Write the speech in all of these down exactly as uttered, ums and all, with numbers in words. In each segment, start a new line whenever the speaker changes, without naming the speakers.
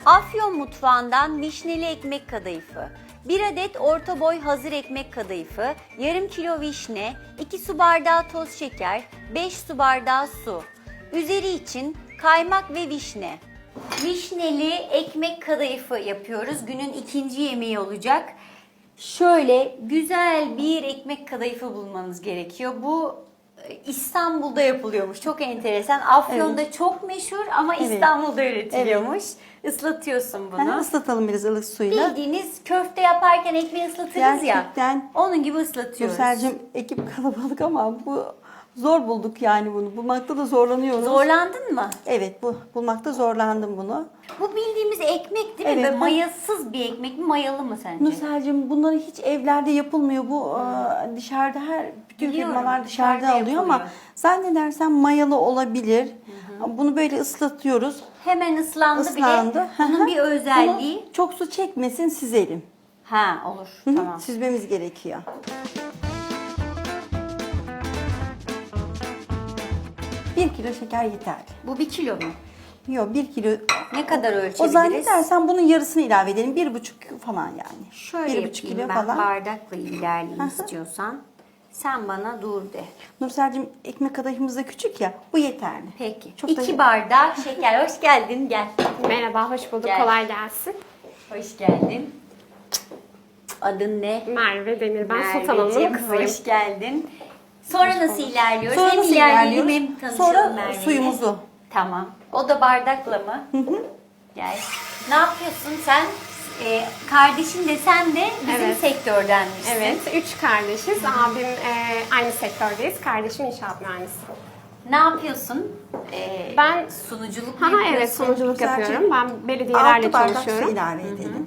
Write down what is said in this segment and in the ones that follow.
Afyon mutfağından vişneli ekmek kadayıfı. bir adet orta boy hazır ekmek kadayıfı, yarım kilo vişne, iki su bardağı toz şeker, beş su bardağı su. Üzeri için kaymak ve vişne. Vişneli ekmek kadayıfı yapıyoruz. Günün ikinci yemeği olacak. Şöyle güzel bir ekmek kadayıfı bulmanız gerekiyor. Bu İstanbul'da yapılıyormuş. Çok enteresan. Afyon'da evet. çok meşhur ama evet. İstanbul'da üretiliyormuş. Evet. Islatıyorsun bunu.
Ha, ıslatalım biraz ılık suyla.
Bildiğiniz köfte yaparken ekmeği ıslatırız Gerçekten, ya. Onun gibi ıslatıyoruz.
Nursel'cim ekip kalabalık ama bu zor bulduk yani bunu. Bulmakta da zorlanıyoruz.
Zorlandın mı?
Evet, bu bulmakta zorlandım bunu.
Bu bildiğimiz ekmek değil mi? Evet. Böyle mayasız bir ekmek mi? Mayalı mı sence?
Nursel'cim bunları hiç evlerde yapılmıyor. Bu hmm. dışarıda her bütün Biliyorum, firmalar dışarıda, dışarıda alıyor yapılıyor. Ama zannedersem mayalı olabilir. Hı hı. Bunu böyle ıslatıyoruz.
Hemen ıslandı, ıslandı. bile. Bunun bir özelliği.
Bunu çok su çekmesin, süzelim.
Ha olur.
Hı hı.
Tamam.
Süzmemiz gerekiyor. Bir kilo şeker yeterli.
Bu bir kilo mu?
Yok, bir kilo.
Ne kadar ölçebiliriz?
O zannedersen bunun yarısını ilave edelim. Bir buçuk falan yani.
Şöyle bir buçuk kilo ben falan. Bardakla ilerleyeyim istiyorsan. Sen bana dur de.
Nursel'cim ekmek kadayıfımız da küçük ya. Bu yeterli.
Peki. Çok İki da... bardak şeker. Hoş geldin. Gel.
Merhaba, hoş bulduk.
Gel.
Kolay gelsin.
Hoş geldin. Adın ne?
Merve Demir. Ben Sultan Hanım'ın kızıyım.
Hoş geldin. Sonra nasıl ilerliyoruz?
Sonra
hem
nasıl
ilerleyelim hem tanışalım
Sonra
Merve'yle.
suyumuzu.
Tamam. O da bardakla mı?
Hı hı.
Gel. Ne yapıyorsun sen? Ee, kardeşin de sen de bizim
evet.
sektördenmişsin.
Evet. Üç kardeşiz. Hı. Abim e, aynı sektördeyiz. Kardeşim inşaat mühendisi.
Ne yapıyorsun? Ee,
ben
sunuculuk
ha,
yapıyorsun.
Evet, sunuculuk Güzelce yapıyorum. Ben belediyelerle çalışıyorum.
Altı bardak su ilave edelim.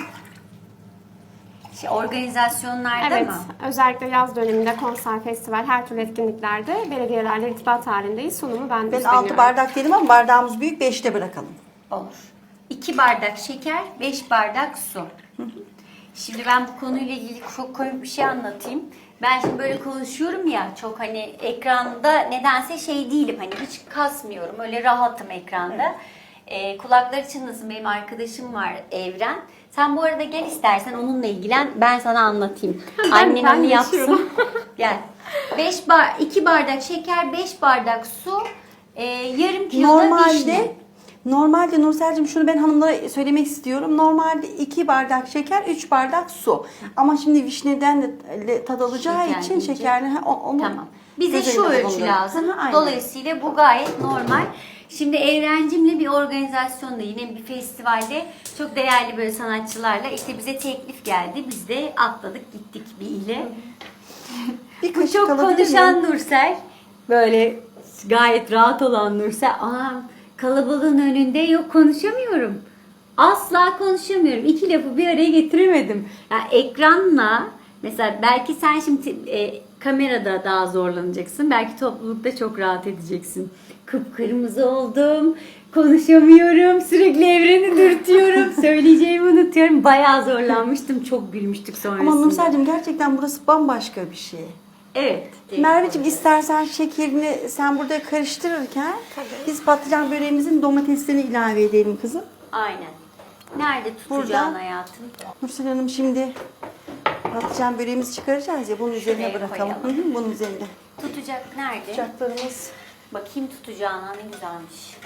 Şey, organizasyonlarda
evet,
mı?
Evet. Özellikle yaz döneminde konser, festival, her türlü etkinliklerde belediyelerle irtibat halindeyiz. Sunumu ben
Ben altı bardak dedim ama bardağımız büyük, beşte bırakalım.
Olur. iki bardak şeker, beş bardak su. Şimdi ben bu konuyla ilgili çok komik bir şey anlatayım. Ben şimdi böyle konuşuyorum ya, çok hani ekranda nedense şey değilim, hani hiç kasmıyorum, öyle rahatım ekranda. Evet. Ee, kulakları çınlasın, benim arkadaşım var Evren. Sen bu arada gel istersen onunla ilgilen, ben sana anlatayım.
Ben,
Annen
ben
onu yapsın. Gel. beş bar, iki bardak şeker, beş bardak su, e, yarım kilo da vişne.
Normalde Nursel'cim şunu ben hanımlara söylemek istiyorum. Normalde iki bardak şeker, üç bardak su. Ama şimdi vişneden de tad alacağı şeker için diyecek. Şekerli onu
tamam. Bize şu ölçü lazım. Hı, dolayısıyla bu gayet normal. Şimdi Evrencimle bir organizasyonda, yine bir festivalde çok değerli böyle sanatçılarla işte bize teklif geldi. Biz de atladık gittik bir ile. Bir bu çok konuşan miyim? Nursel. Böyle gayet rahat olan Nursel. Aa, kalabalığın önünde yok, konuşamıyorum. Asla konuşamıyorum. İki lafı bir araya getiremedim. Yani ekranla mesela belki sen şimdi e, kamerada daha zorlanacaksın. Belki toplulukta çok rahat edeceksin. Kıpkırmızı oldum. Konuşamıyorum. Sürekli Evreni dürtüyorum. Söyleyeceğimi unutuyorum. Bayağı zorlanmıştım. Çok gülmüştük sonrasında.
Ama Nursel'cim gerçekten burası bambaşka bir şey.
Evet.
Merveciğim istersen şekerini sen burada karıştırırken Tabii. biz patlıcan böreğimizin domateslerini ilave edelim kızım.
Aynen. Nerede tutacaksın hayatım?
Nursel Hanım şimdi patlıcan böreğimizi çıkaracağız ya, bunun Şuraya üzerine bırakalım. Hı hı, bunun üzerinde.
Tutacak nerede?
Tutacaklarımız.
Bakayım tutacağına, ne güzelmiş.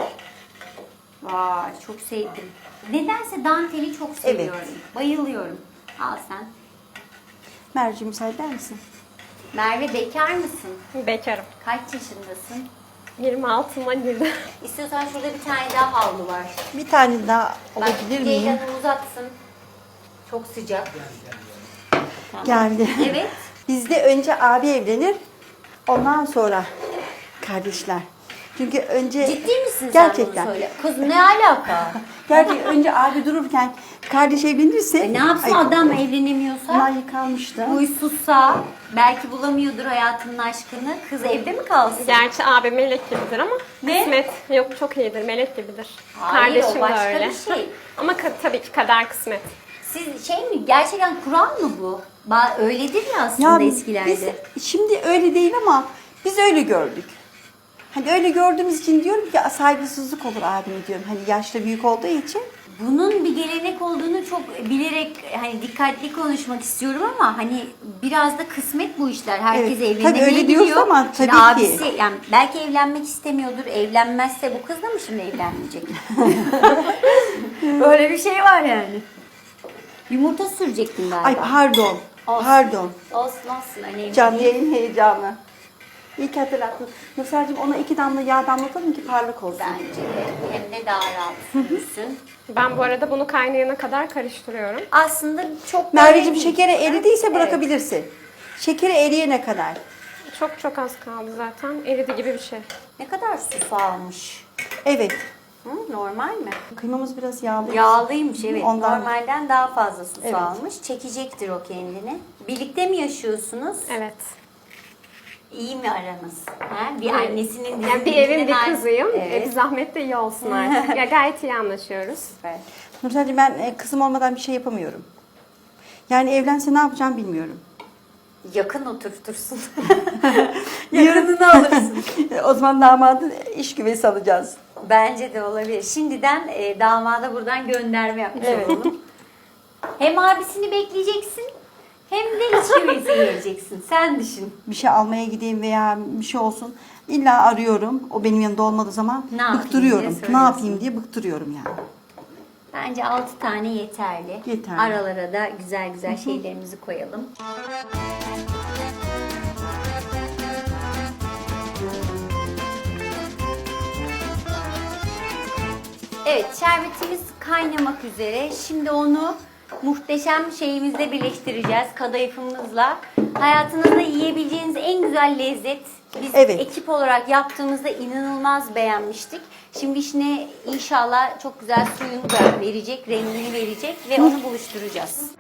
Vay, çok sevdim. Nedense danteli çok seviyorum. Evet. Bayılıyorum. Al sen.
Merveciğim müsaade eder misin?
Merve bekar mısın?
Bekarım.
Kaç yaşındasın?
yirmi altıma girdim.
İstiyorsan şurada bir tane daha havlu var.
Bir tane daha olabilir
Bak,
miyim?
Ceylan'ı uzatsın. Çok sıcak.
Tamam. Geldi.
Evet.
Bizde önce abi evlenir, ondan sonra kardeşler. Çünkü önce...
Ciddi misin
gerçekten.
Sen bunu söyle? Kız ne alaka?
Gerçekten önce abi dururken kardeş evlenirse...
E ne yapsın ay, adam evlenemiyorsa?
Bunlar yıkanmıştı.
Huysuzsa, belki bulamıyordur hayatının aşkını. Kız evde mi kalsın?
Gerçi abi melek gibidir ama
ne?
kısmet yok, çok iyidir, melek gibidir.
Hayır,
Kardeşim
o başka
de öyle.
bir şey.
Ama tabii ki kader kısmet.
Siz şey mi, gerçekten Kur'an mı bu? Ba öyledir ya aslında ya, eskilerde.
Biz, şimdi öyle değil ama biz öyle gördük. Hani öyle gördüğümüz için diyorum ki saygısızlık olur abime diyorum. Hani yaşta büyük olduğu için.
bunun bir gelenek olduğunu çok bilerek hani dikkatli konuşmak istiyorum ama hani biraz da kısmet bu işler. Herkes
Evet,
evlenemeye
tabii öyle
gidiyor.
diyoruz ama
Şimdi
tabii ki.
abisi yani belki evlenmek istemiyordur. Evlenmezse bu kız da mı şimdi evlenmeyecek? Böyle bir şey var yani. Yumurta sürecektin galiba.
Ay pardon.
Olsun.
Pardon.
Olsun olsun önemli
Canlı
değil.
yayın heyecanı. İyi ki hatırlattın. Nursel'cim ona iki damla yağ damlatalım ki parlak olsun.
Bence de hem de daha rahat sürsün.
Ben bu arada bunu kaynayana kadar karıştırıyorum.
Aslında çok
Merveciğim
böyle-
şekeri eridiyse
Evet.
bırakabilirsin. Şekeri eriyene kadar.
Çok çok az kaldı zaten. Eridi gibi bir şey.
Ne kadar su almış?
Evet.
Hı, normal mi?
Kıymamız biraz yağlı.
Yağlıymış evet.
Ondan-
Normalden daha fazla su
Evet.
almış. Çekecektir o kendini. Birlikte mi yaşıyorsunuz?
Evet.
İyi mi aranız? Ha? Bir
Evet.
annesinin
Yani bir evin bir
dizinden-
kızıyım.
Evet.
E, bir zahmet de iyi olsun artık. Ya gayet iyi anlaşıyoruz.
Süper.
Nursel'cim ben e, kızım olmadan bir şey yapamıyorum. Yani evlense ne yapacağım bilmiyorum.
Yakın oturtursun. Yakınını alırsın.
O zaman damadın iş güveysi alacağız.
Bence de olabilir. Şimdiden e, damada buradan gönderme yapmış
Evet.
olalım. Hem abisini bekleyeceksin hem de iç güveysi geleceksin. Sen düşün.
Bir şey almaya gideyim veya bir şey olsun. İlla arıyorum. O benim yanında olmadığı zaman
Ne yapayım
bıktırıyorum.
diye
Ne
soruyorsun.
yapayım diye bıktırıyorum yani.
Bence altı tane yeterli.
Yeterli.
Aralara da güzel güzel şeylerimizi koyalım. Evet, şerbetimiz kaynamak üzere. Şimdi onu muhteşem şeyimizle birleştireceğiz. Kadayıfımızla. Hayatınızda yiyebileceğiniz en güzel lezzet. Biz
Evet.
ekip olarak yaptığımızda inanılmaz beğenmiştik. Şimdi içine inşallah çok güzel suyunu da verecek, rengini verecek ve onu buluşturacağız.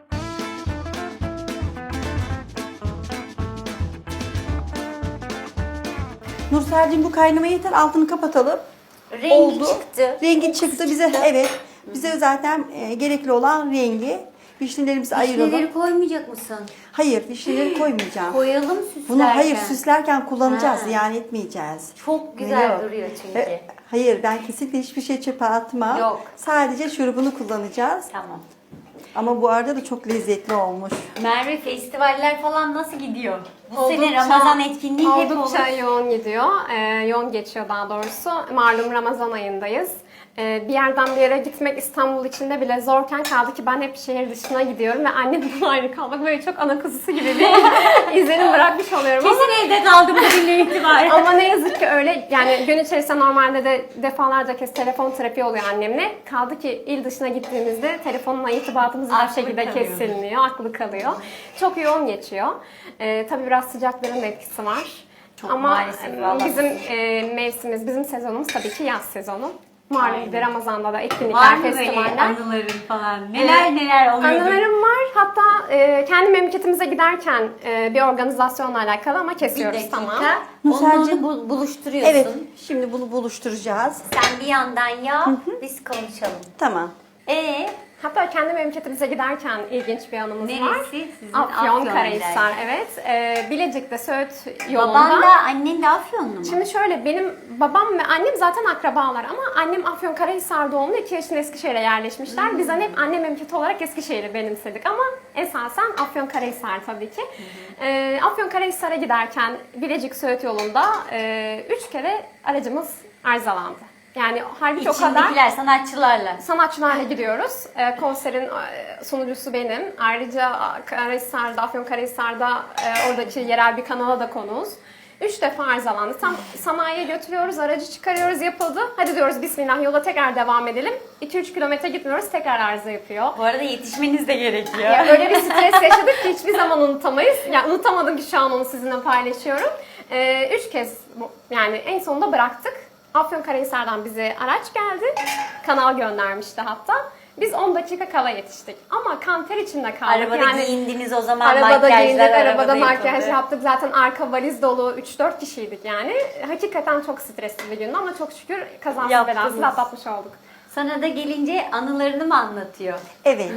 Nursel'cim bu kaynama yeter. Altını kapatalım.
Rengi
Oldu.
çıktı.
Rengi çıktı bize. Evet. Bize zaten e, gerekli olan rengi. Vişnelerimizi ayıralım.
Vişneleri koymayacak mısın?
Hayır, vişneleri koymayacağım.
Koyalım süslerken.
Bunu hayır süslerken kullanacağız,
Ha.
ziyan etmeyeceğiz.
Çok güzel
Yok.
duruyor çünkü.
E, Hayır, ben kesinlikle hiçbir şey çöpe atmam.
Yok.
Sadece şurubunu kullanacağız.
Tamam.
Ama bu arada da çok lezzetli olmuş.
Merve festivaller falan nasıl gidiyor? Bu
Oldukça-
sene Ramazan etkinliği hep
Oldukça
olur.
yoğun gidiyor. Ee, yoğun geçiyor daha doğrusu. Malum Ramazan ayındayız. Ee, bir yerden bir yere gitmek İstanbul içinde bile zorken kaldı ki ben hep şehir dışına gidiyorum ve annemden ayrı kalmak böyle çok ana kuzusu gibi bir izlenim bırakmış oluyorum ama
Kesin evde kaldım bugünden itibaren.
ama ne yazık ki öyle. Yani gün içerisinde normalde de defalarca kez telefon trafiği oluyor annemle. Kaldı ki il dışına gittiğimizde telefonla irtibatımız her
Aklı
şekilde
kalıyor.
kesilmiyor, aklı kalıyor. Çok yoğun geçiyor. Ee, tabii biraz sıcakların da etkisi var.
Çok
Ama
maalesef,
e,
vallahi.
bizim e, mevsimimiz, bizim sezonumuz tabii ki yaz sezonu. Malum bir de
Aynen.
Ramazan'da da
Var
etkinlikler,
mı böyle
festivaller.
anıların falan? Neler
Ee,
neler oluyor?
Anılarım var. Hatta e, kendi memleketimize giderken e, bir organizasyonla alakalı ama
Bir
kesiyoruz
dakika.
tamam.
Onu
Nurselciğim.
bu- buluşturuyorsun.
Evet, şimdi bunu buluşturacağız.
Sen bir yandan yap, biz konuşalım.
Tamam.
Ee,
Hatta kendi memleketimize giderken ilginç bir anımız var.
neresi? Sizin
Afyonkarahisar, evet. Ee, Bilecik'te Söğüt yolunda.
Baban da annen de Afyonlu mu?
Şimdi şöyle benim babam ve annem zaten akrabalar ama annem Afyonkarahisar doğumlu iki yaşında Eskişehir'e yerleşmişler.
Hmm.
Biz hani hep anne memleketi olarak Eskişehir'i benimsedik ama esasen Afyonkarahisar tabii ki. Ee, Afyonkarahisar'a giderken Bilecik Söğüt yolunda e, üç kere aracımız arızalandı. Yani halbuki o kadar
İçindekiler sanatçılarla.
sanatçılarla gidiyoruz. Ee, konserin e, sunucusu benim. Ayrıca Karahisar'da, Afyonkarahisar'da e, oradaki yerel bir kanala da konuğuz. Üç defa arızalandı. Tam sanayiye götürüyoruz, aracı çıkarıyoruz, yapıldı. Hadi diyoruz bismillah yola tekrar devam edelim. iki üç kilometre gitmiyoruz, tekrar arıza yapıyor.
Bu arada yetişmeniz de gerekiyor.
Ya öyle bir stres yaşadık ki hiçbir zaman unutamayız. Yani unutamadım ki şu an onu sizinle paylaşıyorum. Ee, üç kez bu- yani en sonunda bıraktık. Afyonkarahisar'dan bize araç geldi. Kanal göndermişti hatta. Biz on dakika kala yetiştik. Ama kanter içinde kaldık.
Arabada
yani,
giyindiniz o zaman
Arabada
makyajlar,
giyindik, arabada
yapıldı.
makyaj yaptık. Zaten arka valiz dolu üç dört kişiydik yani. Hakikaten çok stresli bir gündü ama çok şükür kazasız
Yaptınız.
belasız atlatmış olduk.
Sana da gelince anılarını mı anlatıyor?
Evet.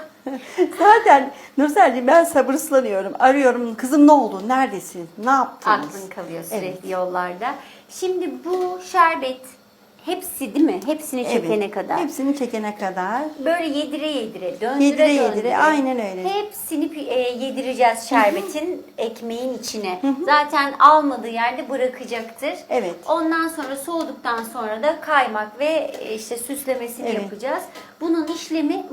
Zaten Nursel'cim ben sabırsızlanıyorum. Arıyorum. Kızım ne oldu? Neredesin? Ne yaptınız?
Aklın kalıyor sürekli yollarda. Şimdi bu şerbet Hepsi değil mi? Hepsini çekene
Evet,
kadar.
hepsini çekene kadar.
Böyle yedire yedire, döndüre
Yedire
döndüre.
yedire, aynen öyle.
Hepsini pi- e, yedireceğiz şerbetin ekmeğin içine. Zaten almadığı yerde bırakacaktır.
Evet.
Ondan sonra soğuduktan sonra da kaymak ve e, işte süslemesini
Evet.
yapacağız. Bunun işlemi